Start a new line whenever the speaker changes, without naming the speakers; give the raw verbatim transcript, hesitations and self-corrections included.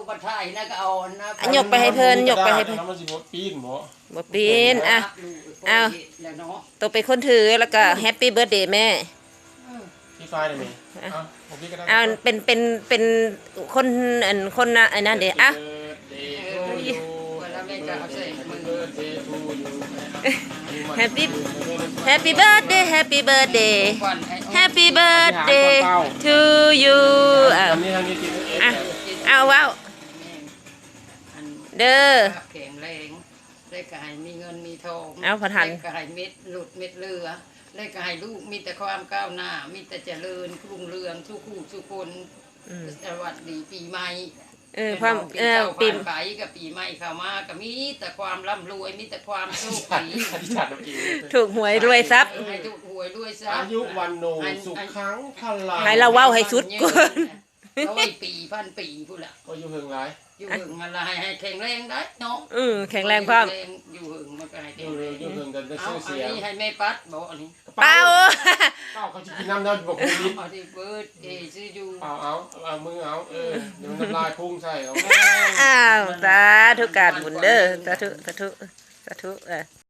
บัตรไทยนะก็เอานะ
อันยกไปให้เพิ่นยกไปให้เพิ่น
มันสิบ่ปีนบ่
บ่ปีนอ่ะ เอา
แล้วเนาะ
ตัวเป็นคนถือแล้วก็แฮปปี้เบิร์ธเดย์แม่
พี่ไฟได้มั้ยอ่ะผมพี่ก็ได้
เอาเป็นเป็นเป็นคนอันคนน่ะอันนั้นเด้อ่ะ
วันละแม่จะเอาใส่มือ
แฮปปี้แฮปปี้เบิร์ธเดย์แฮปปี้เบิร์ธเดย์
ก่อนให้
แฮปปี้เบิร์ธเดย์ทูยูอ่ะ
อันนี้ทางนี้กินเอง
อ่ะเอาว้าวเด้อ
แข็งแรงได้กายมีเงินมีทอง
เอาพอทัน
ได้กายเม็ดหลุดเม็ดเรือได้กายลูกมีแต่ความก้าวหน้ามีแต่เจริญรุ่งเรืองทุกคู่ทุกคนสวัสดีปีใหม่
เออความเออปี
ปีไปกับปีใหม่เข้ามาก็มีแต่ความร่ำรวยมีแต่ความโชคดี
อธิษฐานเอาเอง
ถูกหวยรวยทรัพย์
ให้ถูกหวยด้วยซะ
อายุวันโนสุขขังพลัง
ให้เราเว้าให้สุดก่อน
ร้อยปีพันปีพูดละ
ก็อยู่เฮิงหลาย
อยู่หึงอะไรให้แข็งแรงได้เนาะ
อือแข็งแรงพร้อม
อยู่หึงมันก็ให้
อ
แข็
ยู่
งแร
เฮิง
ง
อยู่เฮิงกันได้
เอา
ชื่อ
อัน
เสียง
นี้ให้แม่ปัดบอกอันนี้
เปล่า
เป้าเขาจะกินน้ำน้ำบอกคุณลิ้น
เอาที่เบิร์ดเอซื้ออยู่
เปล่าเอาเอามือเอาเออเดี๋ยวมันน้ำลายพุ่งใส่เอา
อ้าวสาธุการบุญเด้อสาธุสาธุสาธุเออ